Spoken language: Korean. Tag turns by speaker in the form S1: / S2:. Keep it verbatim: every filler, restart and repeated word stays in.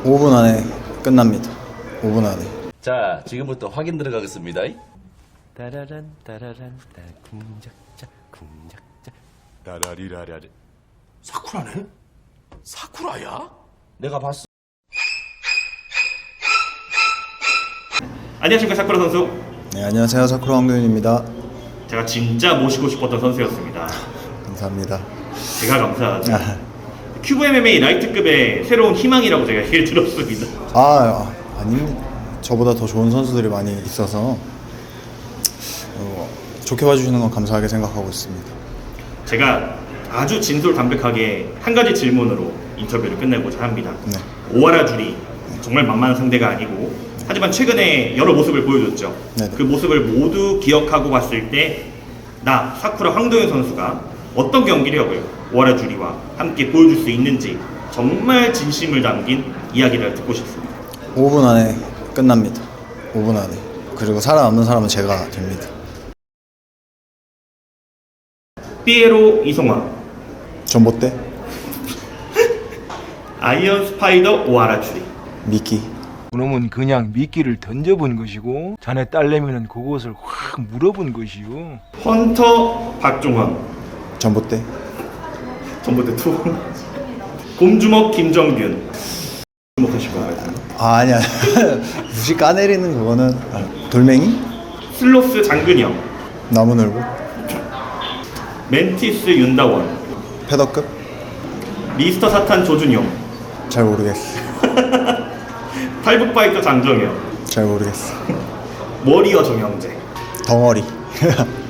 S1: 오 분 안에 끝납니다. 오 분 안에.
S2: 자, 지금부터 확인 들어가겠습니다.
S3: 따라란 따라란 따 궁작자 궁작자
S4: 라라리라라리.
S2: 사쿠라네? 사쿠라야? 내가 봤어.
S5: 안녕하십니까, 사쿠라 선수.
S1: 네, 안녕하세요. 사쿠라 황교윤입니다.
S5: 제가 진짜 모시고 싶었던 선수였습니다.
S1: 감사합니다.
S5: 제가 감사하죠.
S1: 아,
S5: 큐브 엠엠에이 라이트급의 새로운 희망이라고 제가 얘기를 들었습니다.
S1: 아 아닙니다. 저보다 더 좋은 선수들이 많이 있어서 어, 좋게 봐주시는 건 감사하게 생각하고 있습니다.
S5: 제가 아주 진솔담백하게 한 가지 질문으로 인터뷰를 끝내고자 합니다.
S1: 네.
S5: 오하라 줄이 정말 만만한 상대가 아니고, 하지만 최근에 여러 모습을 보여줬죠.
S1: 네네.
S5: 그 모습을 모두 기억하고 봤을 때 나 사쿠라 황도현 선수가 어떤 경기력을 오하라 줄이와 함께 보여줄 수 있는지 정말 진심을 담긴 이야기를 듣고 싶습니다.
S1: 오 분 안에 끝납니다. 오 분 안에. 그리고 살아남는 사람은 제가 됩니다.
S5: 삐에로 이송화,
S1: 전봇대,
S5: 아이언 스파이더 오하라 줄이,
S1: 미끼,
S6: 그놈은 그냥 미끼를 던져본 것이고 자네 딸내미는 그것을 확 물어본 것이요.
S5: 헌터 박종원,
S1: 전봇대,
S5: 전봇대 투, 곰주먹 김정균. 주목하실 것 같아요.
S1: 아 아니야. 무시 까내리는 그거는 아, 돌멩이,
S5: 슬로스 장근영,
S1: 나무늘보,
S5: 멘티스 윤다원,
S1: 패더급,
S5: 미스터 사탄 조준용,
S1: 잘 모르겠어.
S5: 탈북파이터 장정현,
S1: 잘 모르겠어.
S5: 워리어 정영재.
S1: 덩어리.